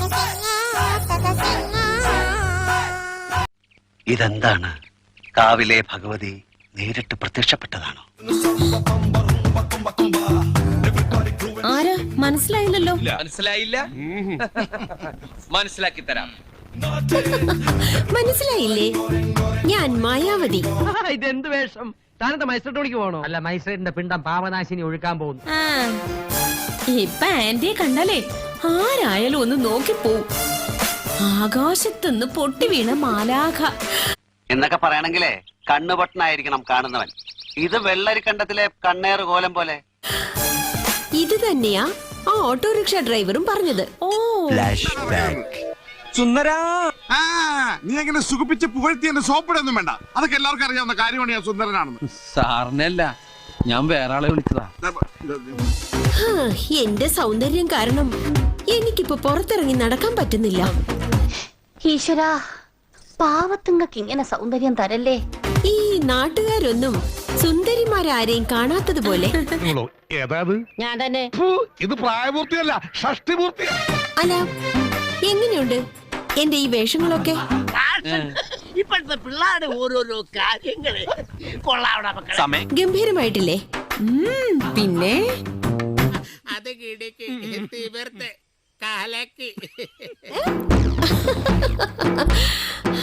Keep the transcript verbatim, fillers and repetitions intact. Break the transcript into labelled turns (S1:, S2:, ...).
S1: ഇതെന്താണ്? കാവിലെ ഭഗവതി നേരിട്ട് പ്രത്യക്ഷപ്പെട്ടതാണോ?
S2: ആരാ? മനസ്സിലായില്ലല്ലോ.
S3: മനസ്സിലായില്ല? മനസ്സിലാക്കി തരാം.
S2: മനസ്സിലായില്ലേ? ഞാൻ മായാവതി.
S4: ഇതെന്ത് വേഷം? താനത്തെ മൈസൂരിലേക്ക് പോകണോ? അല്ല, മൈസൂരിന്റെ പിണ്ടം പാവനാശിനി ഒഴുക്കാൻ പോകുന്നു.
S2: ആ, ഇപ്പൊ ആന്റിയെ കണ്ടാലേ ആരായാലും ഒന്ന് നോക്കിപ്പോവും. ആകാശത്തുനിന്ന് പൊട്ടി വീണ മാലാഖ
S1: എന്നൊക്കെ പറയണെങ്കിലേ കണ്ണുപൊട്ടനായിരിക്കണം കാണുന്നവൻ. ഇത് വെള്ളരിക്കണ്ടത്തിലെ കണ്ണേറ് കോലം പോലെ.
S2: ഇത് തന്നെയാ ആ ഓട്ടോറിക്ഷ ഡ്രൈവറും പറഞ്ഞത്. ഓ,
S3: സുന്ദരാ,
S5: നീ എങ്ങനെ സുഖിപ്പിച്ച് പുകഴ്ത്തി എന്നെ സോപ്പിടൊന്നും വേണ്ട. അതൊക്കെ എല്ലാവർക്കും അറിയാവുന്ന കാര്യമാണ് ഞാൻ സുന്ദരനാണെന്ന്.
S3: സാറിനല്ല, ഞാൻ വേറെ ആളെ വിളിച്ചതാ.
S2: എന്റെ സൗന്ദര്യം കാരണം എനിക്കിപ്പോ പുറത്തിറങ്ങി നടക്കാൻ പറ്റുന്നില്ല.
S6: ഈശ്വരാ, പാവത്തുങ്ങൾക്ക് ഇങ്ങനെ സൗന്ദര്യം തരല്ലേ.
S2: ഈ നാട്ടുകാരൊന്നും സുന്ദരിമാരാരെയും കാണാത്തതുപോലെ.
S4: ഞാൻ തന്നെ.
S5: ഇത് പ്രായപൂർത്തിയല്ല, ഷഷ്ടിപൂർത്തിയാ.
S2: അല്ല, എങ്ങനെയുണ്ട് എന്റെ ഈ വേഷങ്ങളൊക്കെ?
S4: ഇപ്പോഴത്തെ പിള്ളേരുടെ ഓരോരോ കാര്യങ്ങള് കൊള്ളാവണം.
S2: ഗംഭീരമായിട്ടില്ലേ? ഉം, പിന്നെ
S4: അത് കിടക്ക് തീവർത്ത് കാലക്ക്.